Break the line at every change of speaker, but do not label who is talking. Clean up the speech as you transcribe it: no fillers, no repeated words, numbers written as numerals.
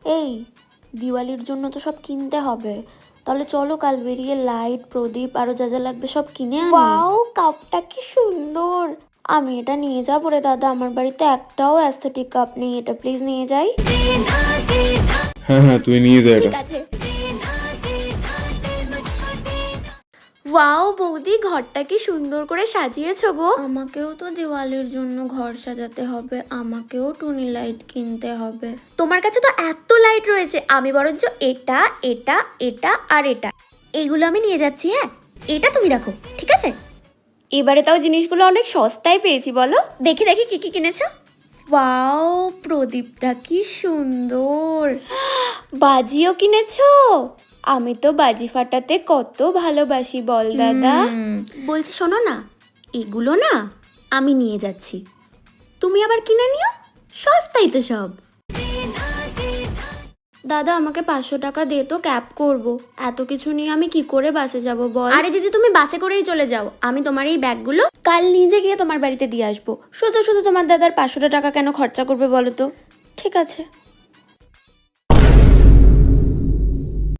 এই দিওয়ালির জন্য তো সব কিনতে হবে, তাহলে চলো কাল বেরিয়ে লাইট, প্রদীপ আরো যা যা লাগবে সব কিনে আনি। ওয়াও, কাপটা কি সুন্দর! আমি এটা নিয়ে যাবো রে দাদা, আমার বাড়িতে একটাও অ্যাস্থেটিক কাপ নেই, এটা প্লিজ নিয়ে যাই।
হ্যাঁ হ্যাঁ, তুই নিয়ে যা এটা।
ঠিক আছে। ওয়াও বৌদি, ঘরটা কি সুন্দর করে সাজিয়েছো গো। আমাকেও তো দিওয়ালির জন্য ঘর সাজাতে হবে, আমাকেও টুনি লাইট কিনতে হবে। তোমার কাছে তো এত লাইট রয়েছে, আমি বরঞ্চ এটা এটা এটা আর এটা এইগুলো আমি নিয়ে যাচ্ছি। হ্যাঁ, এটা তুমি রাখো, ঠিক আছে? এবারে তাও জিনিসগুলো অনেক সস্তায় পেয়েছি, বলো। দেখি দেখি কি কি কিনেছো। ওয়াও, প্রদীপটা কি সুন্দর! বাজিও কিনেছো? আমি তো বাজি ফাটাতে কত ভালোবাসি বল দাদা। বলছি শোনো না, এগুলো না আমি নিয়ে যাচ্ছি, তুমি আবার কিনে নিও, সস্তাই তো সব। দাদা আমাকে 500 টাকা দে তো, ক্যাব করব। এত কিছু নিয়ে আমি কি করে বাসে যাব বল। আরে দিদি, তুমি বাসে করেই চলে যাও, আমি তোমার এই ব্যাগগুলো কাল নিজে গিয়ে তোমার বাড়িতে দিয়ে আসবো। শুধু শুধু তোমার দাদার 500 টাকা কেন খরচা করবে বলো তো। ঠিক আছে।